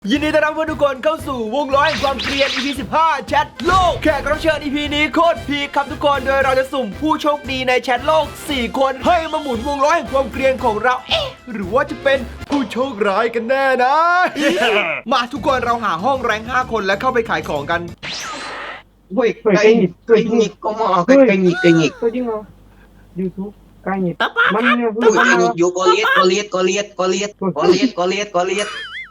ยินดีต้อนรับทุกคนเข้าสู่วงล้อแห่งความเกลียด EP 15แชทโลกแขกรับเชิญ EP นี้โคตรพีคครับทุกคนโดยเราจะสุ่มผู้โชคดีในแชทโลก4คนให้มาหมุนวงล้อแห่งความเกลียดของเราหรือว่าจะเป็นผู้โชคร้ายกันแน่นะ มาทุกคนเราหาห้องแรง5คนและเข้าไปขายของกัน Woi, kayak ngik, kok mau kayak ngik. Kau jengok YouTube kayak Mana ya? Woi, kayak ngik, yo kau lihat.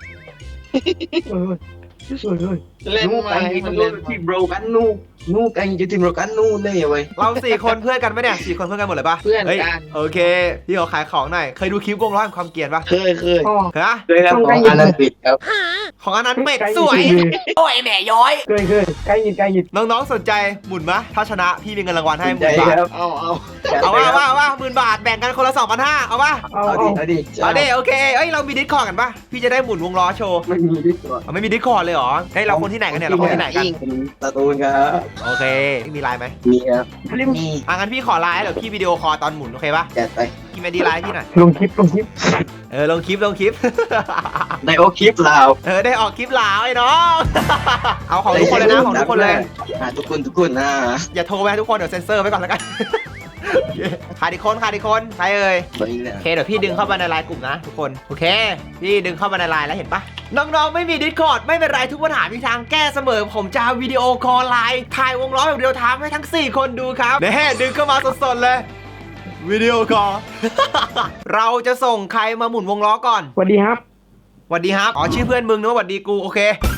Nu kayak gitu si bro kan nu kayak jadi bro kan nu nih ya woi. เรา4คนเพื่อนกันไหมเนี่ย4คนเพื่อนกันหมดเลยปะเพื่อนกันฮ้ยโอเคพี่ขอขายของหน่อยเคยดูคลิปวงล้อแห่งความเกลียดปะเคยฮะครับของอันนั้นปิดครับของอันนั้นเป็ดสวยโอ้ยแม่ย้อยเคยkayak ngik น้องๆสนใจหมุนมะถ้าชนะพี่มีเงินรางวัลให้ใจ 10,000 บาทครับเอาว่า10,000 บาทแบ่งกันคนละ 2,500เอาปะเอาดิเอาดิโอเคเอ้ยเรามีดิสคอร์ดกันปะพี่จะได้หมุนวงล้อโชว์ไม่มีดิสก่อนไม่มีดิสคอร์ดเลยเหรอเฮ้ยเราคนที่ไหนกันเนี่ยเราคนที่ไหนกันตะตูนครับโอเคมีไลน์ไหมมีครับ Halim มีงั้นพี่ขอไลน์เดี๋ยวพี่วิดีโอคอลตอนหมุนโอเคปะจัดไปพี่ไม่ดีไลน์พี่หน่อย lung kip ลงคลิปในโอคลิปเราได้ออกคลิปลาวไอ้น้อง เอาของทุกคนเลยนะของทุกคนเลยทุกคนนะอย่าโทรไปให้ทุกคนเดี๋ยวเซ็นเซอร์ไว้ก่อนแล้วกัน ขาดอีกคนใครเอ่ยไปเลยโอเคเดี๋ยวพี่ดึงเข้ามาในไลน์กลุ่มนะทุกคนโอเคพี่ดึงเข้ามาในไลน์แล้วเห็นปะน้องๆไม่มี Discord ไม่เป็นไรทุกปัญหามีทางแก้เสมอผมจะวิดีโอคอลไลน์ถ่ายวงล้อแบบเดียวทามให้ทั้ง4คนดูครับเน่ดึงเข้ามาสดๆเลยวิดีโอคอล เราจะส่งใครมาหมุนวงล้อก่อน Wadi hap หวัดดีครับอ๋อชื่อเพื่อนมึงนึกว่าหวัดดีกูโอเค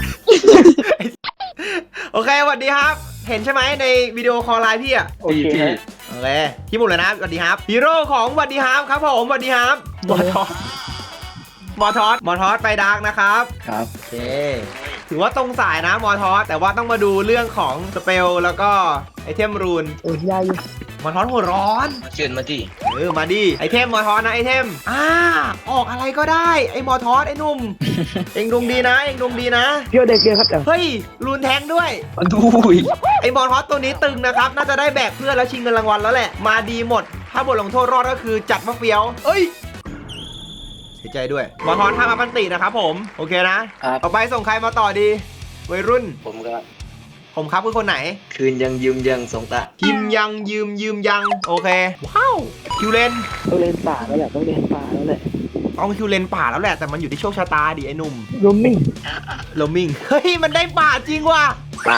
โอเคหวัดดีครับเห็นใช่ไหมในวิดีโอคอลไลน์พี่อะ Okay โอเคพี่หมุนเลยนะสวัสดีครับฮีโร่ของสวัสดีครับครับผมสวัสดีครับมอทอสไปดาร์กนะครับครับโอเคถือว่าตรงสายนะมอทอสแต่ว่าต้องมาดูเรื่องของสเปลแล้วก็ไอเทมรูน Oh ya ya มอทอสหัวร้อนเชิญมาที่มาดิไอเทมมอทอสนะไอเทมออกอะไรก็ได้ไอมอทอสไอหนุ่ม เอ็งดวงดีนะ Pure deck dia kata เฮ้ยรูนแทงด้วยดูยไอ้มอทอสตัวนี้ตึงนะครับ น่าจะได้แบกเพื่อนแล้วชิงเงินรางวัลแล้วแหละ มาดีหมด ถ้าบทลงโทษรอดก็คือจัดมะเฟียวเอ้ยเสียใจด้วยมอทอสห้ามอัพอันตินะครับผม โอเคนะ ต่อไปส่งใครมาต่อดี วัยรุ่นผมก็ผมครับคือคนไหนคืนยังยืมยังสงตาพิมยังยืมยัง โอเค ว้าวคิวเลนต้องเล่นป่าแล้วแหละต้องเล่นป่าแล้วแหละต้องคิวเลนป่าแล้วแหละ แต่มันอยู่ที่โชคชะตาดิไอ้หนุ่ม roaming โลมิง เฮ้ย มันได้ป่าจริงว่ะป่า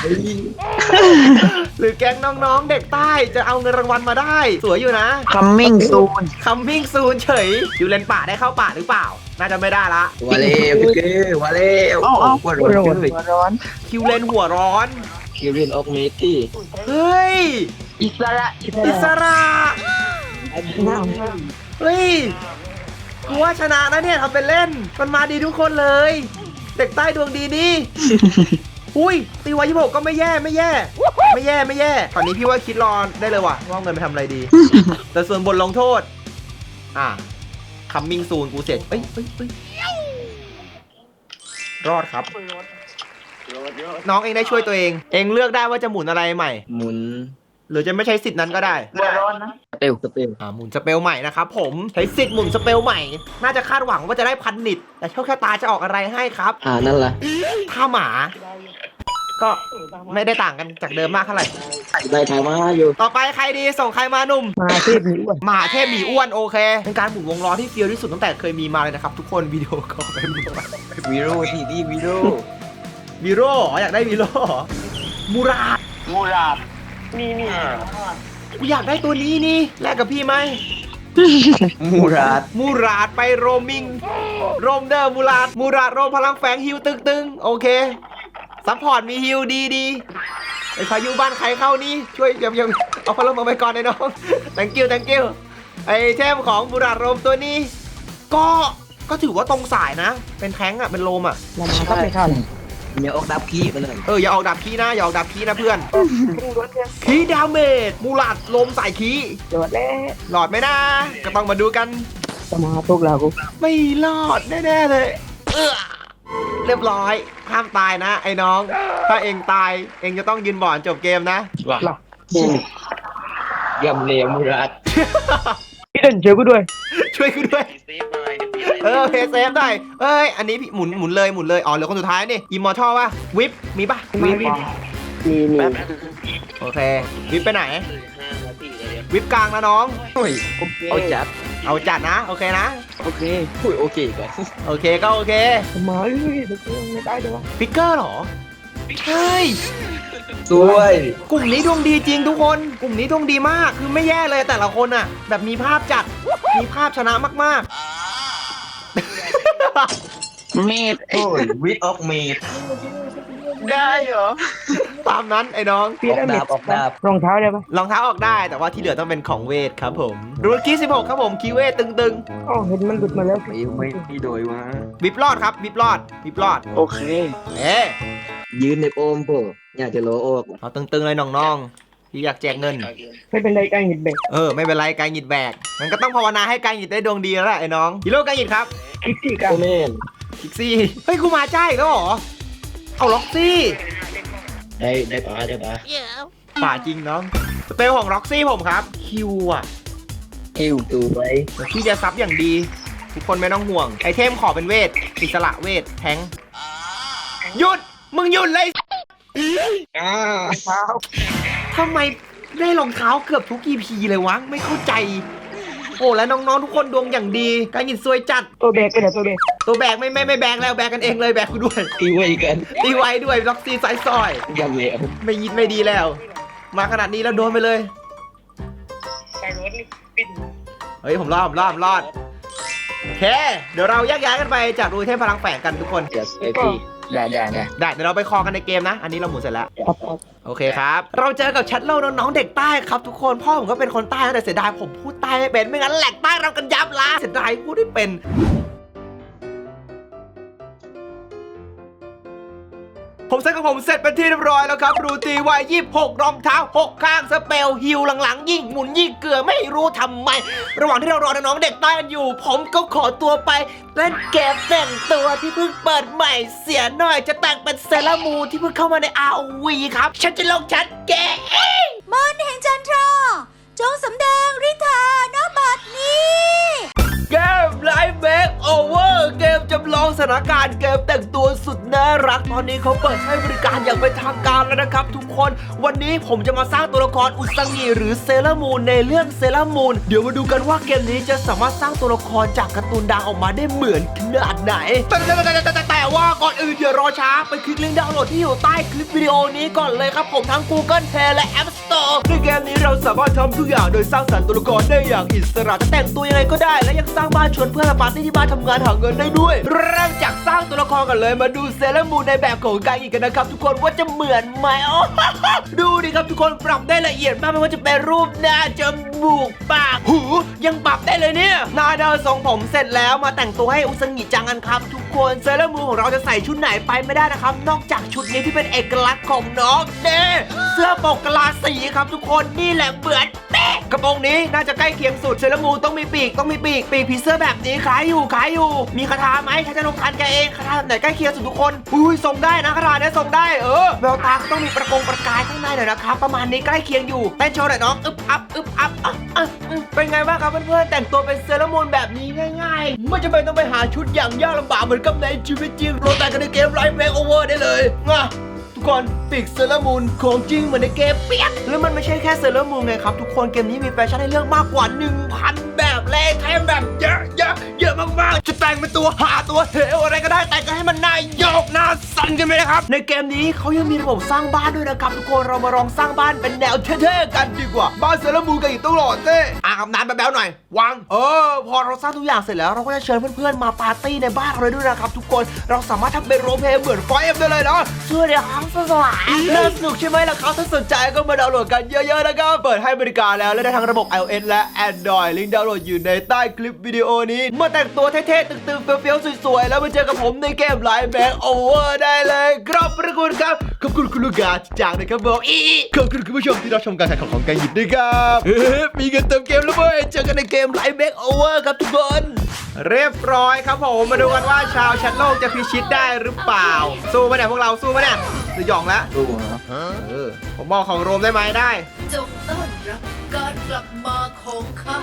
หรือแก๊งน้องๆ เด็กใต้จะเอาเงินรางวัลมาได้ สวยอยู่นะ coming soon Coming soon เฉยอยู่เลนป่าได้เข้าป่าหรือเปล่า น่าจะไม่ได้ละวาเล่วาเล่ว่าร้อนเลยร้อนคิวเลนหัวร้อนคิรินออกเมตี้เฮ้ยอิสระอิสระเฮ้ยกูว่าชนะนะเนี่ยทำเป็นเล่น มันมาดีทุกคนเลย เด็กใต้ดวงดีนี่ อุ้ยตีไว้26ก็ไม่แย่ตอนนี้พี่ว่าคิดรอได้เลยว่ะว่าเงินไปทำอะไรดี แต่ส่วนบทลงโทษComing soon กูเสร็จเอ้ยรอดครับ น้องเองได้ช่วยตัวเอง เองเลือกได้ว่าจะหมุนอะไรใหม่หมุนหรือจะไม่ใช้สิทธิ์นั้นก็ได้ร้อนนะสเปลหมุนสเปลใหม่นะครับผมใช้สิทธิ์หมุนสเปลใหม่ น่าจะคาดหวังว่าจะได้1,000 นิดแต่โชคชะตาจะออกอะไรให้ครับนั่นล่ะถ้าหมา ก็ไม่ได้ต่างกันจากเดิมมากเท่าไหร่ได้ทายมาอยู่ต่อไปใครดีส่งใครมาหนุ่มมาเทพหนีอ้วนมหาเทพหมีอ้วนโอเคเป็นการหมุนวงล้อที่เฟี้ยวที่สุดตั้งแต่เคยมีมาเลยนะครับทุกคนวิดีโอคอลไปหมดวีโร่ที่ดีวีโร่วีโร่อยากได้วีโร่มูราดนี่กูอยากได้ตัวนี้นี่แลกกับพี่ไหมมูราดมูราดไปโรมิงโรมเดอร์มูราดโรมพลังแฝงฮิวตึงโอเคซัพพอร์ตมีฮิวดีไอ้พายุบ้านใครเข้านี่ช่วยยังเอาพลังมาไปก่อนไอ้น้อง thank you ไอ้เทมของมูราดโรมตัวนี้ ก็ถือว่าตรงสายนะ เป็นแท้งอ่ะเป็นโรมอ่ะเรามาก็ไม่ทันอย่าออกดับขี้ไปเลยอย่าออกดับคีนะอย่าออกดับคีนะเพื่อนคีดาเมจมูราดโรมสายคีจอดแล้วหลอดไหมนะก็ต้องมาดูกันสมาพวกเรากูไม่รอดแน่ๆเลยเรียบร้อยห้ามตายนะไอ้น้อง ถ้าเองตายเองจะต้องยืนบ่อนจบเกมนะว่ะหลับยำเลวมูราดพี่เดินเจอกูด้วยช่วยกูด้วยโอเคเซฟได้เอ้ยอันนี้พี่หมุนเลยอ๋อเหลือคนสุดท้ายนี่อิมมอร์ทัลป่ะวิปมีป่ะมีมีโอเควิปไปไหนวิปกลางนะน้องเอาจัดเอาจัดนะโอเคนะโอเคคุยโอเคก่อนโอเคก็โอเคมาเอ้ยเดี๋ยวกูไม่ได้เดี๋ยวฟิกเกอร์เหรอเฮ้ยสวยกลุ่มนี้ดวงดีจริงทุกคน กลุ่มนี้ดวงดีมาก คือไม่แย่เลยแต่ละคนอ่ะ แบบมีภาพจัด มีภาพชนะมากเมดโอ้ยวิดออกเมดได้เหรอๆ ตามนั้นไอ้น้องพีระมิดออกดาบรองเท้าได้ปะรองเท้าออกได้แต่ว่าที่เหลือต้องเป็นของเวทครับผมรูกี้16ครับผมคีย์เวทตึงอ๋อเห็นมันหลุดมาแล้วไม่โดยวะๆวิบรอดครับวิบรอดโอเคเอ๊ะยืนในโอมโปอยากจะโลโอกเอาตึงๆเลยน้องๆที่อยากแจกเงินไม่เป็นไรใกล้หิดเบรกไม่เป็นไรการหยิดแบกมันก็ต้องภาวนาให้การหยิดได้ดวงดีแล้วล่ะไอ้น้องฮีโร่การหยิดครับคิกซี่กันโอเมนคิกซี่เฮ้ยกูมาจ้าอีกแล้วเหรอเอาล็อกซี่ได้ปะป่าจริงน้องสเปลของล็อกซี่ผมครับคิวอ่ะคิวตูไว้พี่จะซับอย่างดี ทุกคนไม่ต้องห่วง ไอเทมขอเป็นเวทอิสระเวทแทงค์หยุด มึงหยุดเลยเท้าทำไมได้รองเท้าเกือบทุก EP เลยวะ ไม่เข้าใจ โอ้แล้วน้องๆทุกคนดวงอย่างดีการหยินซวยจัดตัวเบรกไปไหนตัวเบรกตัวแบกไม่แบกแล้วแบกกันเองเลยแบกกูด้วยตีไว้กันตีไว้ด้วยล็อกซี่ไซซอยยังเหลวไม่ยิดไม่ดีแล้ว มาขนาดนี้แล้วโดนไปเลยไปรถนี่ปิดเฮ้ยผมรอดโอเค เดี๋ยวเราแยกย้ายกันไปจากดูเทพพลังแฝงกันทุกคนจัสไอพี่ได้ได้เดี๋ยวเราไปคอกันในเกมนะ อันนี้เราหมุนเสร็จแล้วครับโอเคครับ เราเจอกับแชทโลกน้องๆเด็กใต้ครับทุกคน พ่อผมก็เป็นคนใต้นะแต่เสียดายผมพูดใต้ไม่เป็น ไม่งั้นแหลกใต้เรากันยับละเสียดายพูดไม่เป็น ผมเซ็ตของผมเสร็จเป็นที่เรียบร้อยแล้วครับ รูตีไว้26รองเท้า 6 ข้างสเปลฮิวหลังๆ ยิ่งหมุนยิ่งเกลือไม่รู้ทำไม ระหว่างที่เรารอน้องๆเด็กใต้กันอยู่ ผมก็ขอตัวไปเล่นเกมแต่งตัวที่เพิ่งเปิดใหม่เสียหน่อยจะแต่งเป็นเซเลอร์มูนที่เพิ่งเข้ามาใน ROV ครับ ฉันจะลงชัดแกมนต์แห่งจันทราจงสำแดงฤทธาณบัดนี้เกมไลฟ์เมคโอเวอร์เกมจำลองสถานการณ์เกมแต่งตัวสุดน่ารักตอนนี้เขาเปิดให้บริการอย่างเป็นทางการแล้วนะครับทุกคนวันนี้ผมจะมาสร้างตัวละครอุซังิหรือเซเลอร์มูนในเรื่องเซเลอร์มูนเดี๋ยวมาดูกันว่าเกมนี้จะสามารถสร้างตัวละครจากการ์ตูนดังออกมาได้เหมือนขนาดไหนแต่ว่าก่อนอื่นอย่ารอช้าไปคลิกลิงก์ดาวน์โหลดที่อยู่ใต้คลิปวิดีโอนี้ก่อนเลยครับผมทั้ง Google Play และ App Store ในเกมนี้เราสามารถทำทุกอย่างโดยสร้างสรรค์ตัวละครได้อย่างอิสระจะแต่งตัวยังไงก็ได้และยังสร้างบ้านชวนเพื่อนมาปาร์ตี้ที่บ้านทำงานหาเงินได้ด้วยเริ่มจากสร้างตัวละครกันเลยมาดูเซเลอร์มูนในแบบของกากิกันนะครับทุกคนว่าจะเหมือนไหมดูดิครับทุกคนปรับได้ละเอียดมากไม่ว่าจะเป็นรูปหน้าจมูกปากหูยังปรับได้เลยเนี่ยหน้าเดินทรงผมเสร็จแล้วมาแต่งตัวให้อุซังิจังกันครับทุกคนเซเลอร์มูนของเราจะใส่ชุดไหนไปไม่ได้นะครับนอกจากชุดนี้ที่เป็นเอกลักษณ์ของน้องเน่เสื้อปกกะลาสีครับทุกคนนี่แหละเหมือนเป๊ะกระโปรงนี้น่าจะใกล้เคียงสุดเซเลอร์มูนต้องมีปีกปีกผีเสื้อแบบนี้คล้ายอยู่มีคาถาไหมใช้จะลงทันแกเองคาถาแบบไหนใกล้เคียงสุดทุกคนอุ้ยทรงได้นะคาถาเนี้ยทรงได้แววตาก็ต้องมีประกายข้างในหน่อยนะครับประมาณนี้ใกล้เคียงอยู่เต้นโชว์หน่อยน้องอึบอัพเป็นไงบ้างครับเพื่อนๆแต่งตัวเป็นเซเลอร์มูนแบบนี้ง่ายๆไม่จำเป็นต้องไปหาชุดอย่างยากลำบากเหมือนกับในชีวิตจริงโหลดแต่กันในเกมไลฟ์เมคโอเวอร์ได้เลยทุกคนปีกเซเลอร์มูนของจริงเหมือนในเกมเปียกแล้วมันไม่ใช่แค่เซเลอร์มูนไงครับทุกคนเกมนี้มีแฟชั่นให้เลือกมากกว่า 1,000 แบบเลยแถมแบบเยอะมากๆจะแต่งเป็นตัวหาตัวเหวอะไรก็ได้แต่งกันให้มันน่าโยกน่าสั่นกันไหมนะครับในเกมนี้เขายังมีระบบสร้างบ้านด้วยนะครับทุกคนเรามาลองสร้างบ้านเป็นแนวเท่ๆกันดีกว่าบ้านเซเลอร์มูนกันอีกต้องหล่อเท่อาบน้ำแบ๊วๆหน่อยวางพอเราสร้างทุกอย่างเสร็จแล้วเราก็จะเชิญเพื่อนๆมาปาร์ตี้ในบ้านเราเลยด้วยนะครับทุกคนเราสามารถทำเป็นโรลเพลย์เหมือนไฟเอ็มได้เลยนะช่วยเดี๋ยวครับสวายน่าสนุกใช่ไหมล่ะครับถ้าสนใจก็มาดาวน์โหลดกันเยอะๆนะครับเปิดให้บริการแล้วและได้ทั้งระบบ iOS และ Android ลิงก์ดาวน์โหลดอยู่ในใต้คลิปวิดีโอนี้มาแต่งตัวเท่ๆตึงๆเฟี้ยวๆสวยๆแล้วมาเจอกับผมในเกมไลฟ์แบงค์โอเวอร์ได้เลยครับขอบคุณครับขอบคุณคุณลูกกาจากนะครับผมขอบคุณคุณผู้ชมที่รับชมการแข่งขันของการหยิบด้วยครับมีเงินเติมเกมแล้วเว้ยเจอกันในเกมไลฟ์แบงค์โอเวอร์ครับทุกคนเรียบร้อยครับผมมาดูกันว่าชาวแชทโลกจะพิชิตได้หรือเปล่าสู้มาเนี่ยพวกเราสู้มาเนี่ยสยองแล้วดูนะผมบอกของโรมได้ไหมได้จงต้อนรับการกลับมาของข้าจ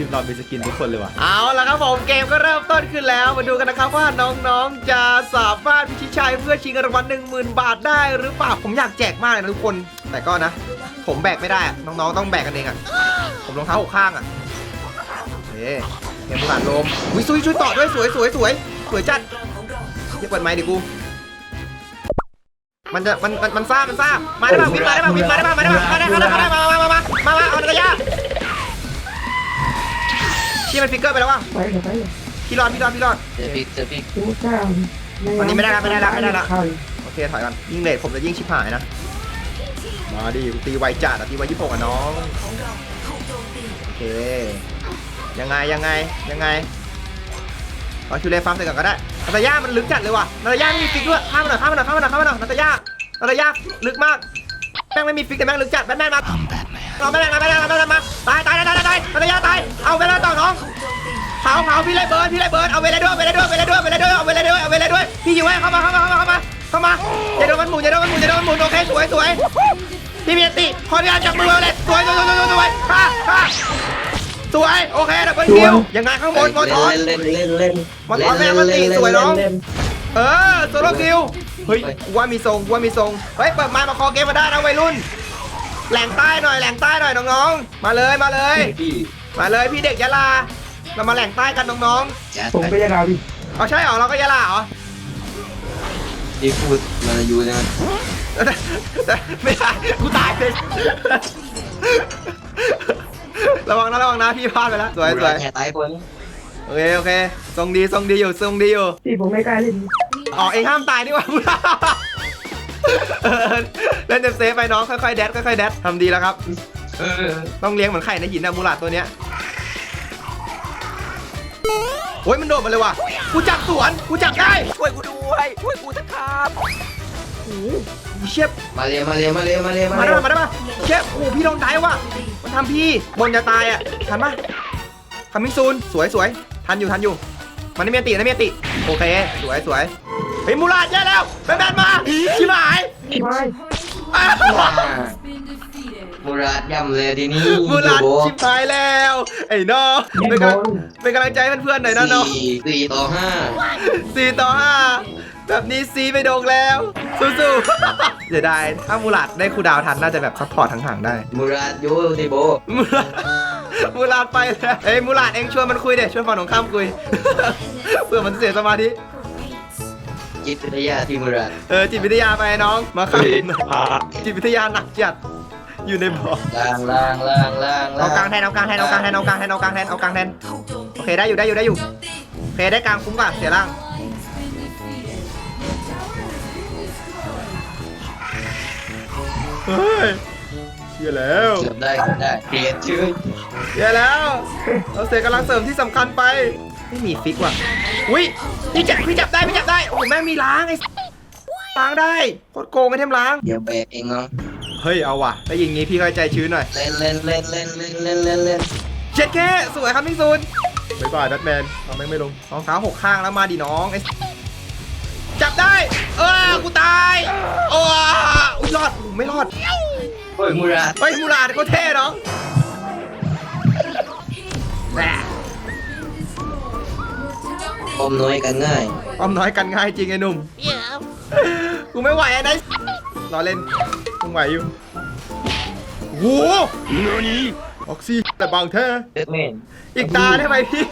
ทีมเรามีสกินทุกคนเลยว่ะเอาละครับผมเกมก็เริ่มต้นขึ้นแล้วมาดูกันนะครับว่าน้องๆจะสามารถพิชิตชัยเพื่อชิงเงินรางวัล 10,000 บาทได้หรือเปล่าผมอยากแจกมากเลยนะทุกคนแต่ก็นะผมแบกไม่ได้อะน้องๆต้องแบกกันเองอ่ะผมรองเท้าหกข้างอ่ะเฮ้เกมผ่านลมวิซุยช่วยต่อด้วยสวยจัดเรียกเปิดไมค์ดิกูมันซ่ามาได้ป่ะวินมาได้ป่ะมาเอาระยะชี้มันฟิกเกอร์ไปแล้วว่ะไปเลยพี่รอดเจอพิกดูข้าววันนี้ไม่ได้ละโอเคถอยกันยิ่งเลทผมจะยิ่งชิบหายนะมาดิตีไวจัดตีไว26อ่ะน้องโอเคยังไงเอาชูเลฟาร์มใส่ก่อนก็ได้นาตาย่ามันลึกจัดเลยว่ะนาตาย่าไม่มีฟิกด้วยข้ามมาหน่อยนาตาย่าลึกมากแม่งไม่มีฟิกแต่แม่งลึกจัดแบทแมนมาเราแบทแมนมาตายนาตาย่าตายเอาเวลาต่อน้องเผาพี่ไรเบิร์ดเอาเวลาด้วยพี่อยู่ไว้เข้ามาอย่าโดนมันหมุนโอเคสวยพี่มีติขออนุญาตจับมือเลยสวยสวยโอเคดับเบิลคิวยังไงข้างบนมอทอนมอทอนแม่มันตีสวยน้องโซโล่คิวเฮ้ยว่ามีทรงเฮ้ยเปิดไมค์มาคอเกมมาได้นะวัยรุ่นแหล่งใต้หน่อยน้องๆมาเลยพี่เด็กยะลาเรามาแหล่งใต้กันน้องผมไปยังไงพี่ๆเอาใช่เหรอเราก็ยะลาเหรอที่พูดมาอยู่นะไม่ได้กูตายเลยระวังนะพี่พลาดไปแล้วสวยแค่ตายคนโอเคทรงดีอยู่พี่ผมไม่กล้าเล่นอ๋อเองห้ามตายนี่หว่าเล่นเซฟไปน้องค่อยๆแดดทำดีแล้วครับต้องเลี้ยงเหมือนไข่ในหินนะมูลาดตัวเนี้ยโอ้ยมันโดดมาเลยว่ะกูจับสวนกูจับได้ช่วยกูด้วยช่วยกูสักครับโอ้โหเชฟมาเลยมาได้ปะเชฟโอ้พี่โดนได้ว่ะมันทำพี่บนจะตายอ่ะทันปะทำมิซูนสวยทันอยู่มันไม่มีติโอเคสวยเฮ้ยมูลาดแย่แล้วแบนมาชิบหายไม่มูราดย่ำเลยทีนี้มูลาดชิบหายแล้วไอ้น้องเป็นกำลังใจให้เพื่อนๆหน่อยนะน้อง 4 ต่อ 5แบบนี้ซีไปโดงแล้วสู้ๆเสียดายถ้ามูลาดได้คูดาวทันน่าจะแบบซัพพอร์ตห่างๆได้มูราดอยู่ที่โบมูลาดไปแล้วเอ้ยมูลาดเองชวนมันคุยเด็ชวนฝั่งตรงข้ามคุย เพื่อมันเสียสมาธิจิตวิทยาที่มูราดจิตวิทยาไปน้องมาครับจิตวิทยาหนักจัดอยู่ในบ่อล่างเอากลางแทนโอเคได้อยู่โอเคได้กลางคุ้มกว่าเสียล่างเฮ้ยเสียแล้วเกือบได้เปลี่ยนชื่อเสียแล้วเราเสียกำลังเสริมที่สำคัญไปไม่มีฟิกว่ะอุ้ยพี่จับได้โอ้แม่งมีล้างไอ้ล้างได้โคตรโกงไอ้เทมล้างเดี๋ยวแบกเองเนาะเฮ้ยเอาว่ะได้ยิงงี้พี่ก็ใจชื้นหน่อยเล่นเช็ดแค่สวยครับมิงซูนบ๊ายบายแบทแมนเอาไม่ลงรองเท้า6 ข้างแล้วมาดิน้องไอ้จับได้กูตายโอ้ยรอดไม่รอดเฮ้ยมูราดเขาเท่น้องอมน้อยกันง่ายอ้อมน้อยกันง่ายจริงไอ้หนุ่มกูไม่ไหวไอ้นายรอเล่นมึงไหวอยู่โว้ออกซิแต่บางแท้เด็ดแมนอีกตาได้ไหมพี่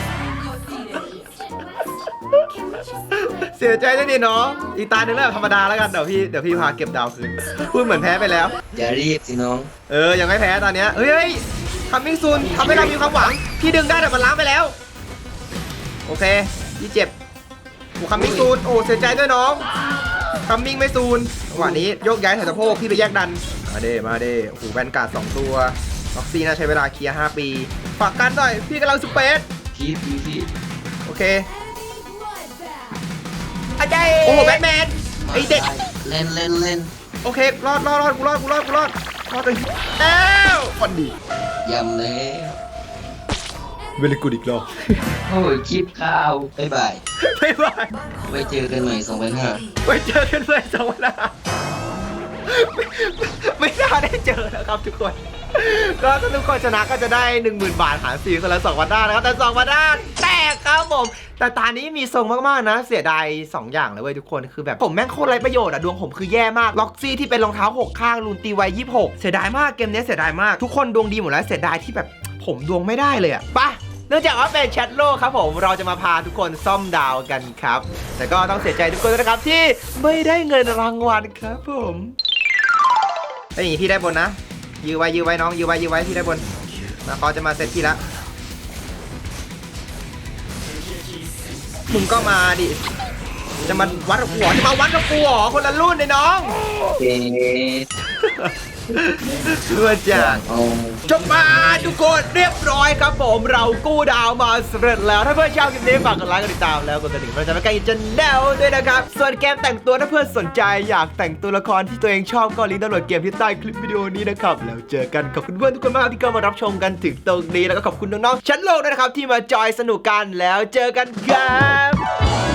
เสียใจด้วยดิน้องอีกตาหนึ่งแล้วธรรมดาแล้วกันเดี๋ยวพี่พาเก็บดาวคืนพูดเหมือนแพ้ไปแล้วอย่ารีบสิน้องยังไม่แพ้ตอนเนี้ยเฮ้ยทำมิ่งซูนทำให้เรามีความหวังพี่ดึงได้แต่มันล้างไปแล้วโอเคพี่เจ็บกูคัมมิ่งซูนโอ้เสียใจด้วยน้องคัมมิ่งไม่ซูนจังหวะนี้โยกย้ายถ่ายสะโพกพี่ไปแยกดันมาเด้โอ้โหแวนการ์ด2 ตัวล็อกซี่น่าใช้เวลาเคลียร์5 ปีฝากกันหน่อยพี่กำลังสเปซคีบดีสิโอเคอาจารย์โอ้โหแบทแมนไอเด็กเล่นโอเครอดกูรอดกันแล้วฟันดียำเลยเวลกูอีกรอบโอ้ยคลิปข้าวบ๊ายบาย ไว้เจอกันใหม่2005 ไว้เจอกันเลย2 วันหน้าไม่น่าได้เจอนะครับทุกคนก็ถ้าทุกคนชนะก็จะได้ 10,000 บาทหาร4คนละ2 วันได้นะครับแต่2 วันได้แตกครับผมแต่ตานี้มีทรงมากๆนะเสียดาย2 อย่างเลยเว้ยทุกคนคือแบบผมแม่งโคตรไร้ประโยชน์อะดวงผมคือแย่มากล็อกซี่ที่เป็นรองเท้า6ข้างรูนตีไว26เสียดายมากเกมนี้เสียดายมากทุกคนดวงดีหมดแล้วเสียดายที่แบบผมดวงไม่ได้เลยอะไปเนื่องจากว่าเป็นแชทโลกครับผมเราจะมาพาทุกคนซ่อมดาวกันครับแต่ก็ต้องเสียใจทุกคนนะครับที่ไม่ได้เงินรางวัลครับผมไอ้ยพี่ได้บนนะยื้อไว้น้องยื้อไว้พี่ได้บนมาเขาจะมาเซตพี่ละมึงก็มาดิจะมาวัดกับหัวจะมาวัดกับหัวคนละรุ่นเลยน้องเอ๊ะเพื่อจังเอาจบมาทุกคนเรียบร้อยครับผมเรากู้ดาวมาสำเร็จแล้วถ้าเพื่อนชอบคลิปนี้ฝากกดไลค์กดติดตามแล้วกดกระดิ่งเพื่อจะไม่ไกลจันแนวด้วยนะครับส่วนเกมแต่งตัวถ้าเพื่อนสนใจอยากแต่งตัวละครที่ตัวเองชอบก็ลิงก์ดาวน์โหลดเกมที่ใต้คลิปวิดีโอนี้นะครับแล้วเจอกันขอบคุณเพื่อนทุกคนมากที่เข้ามารับชมกันถึงตรงนี้แล้วก็ขอบคุณน้องๆชั้นโลกด้วยนะครับที่มาจอยสนุกกันแล้วเจอกันครับ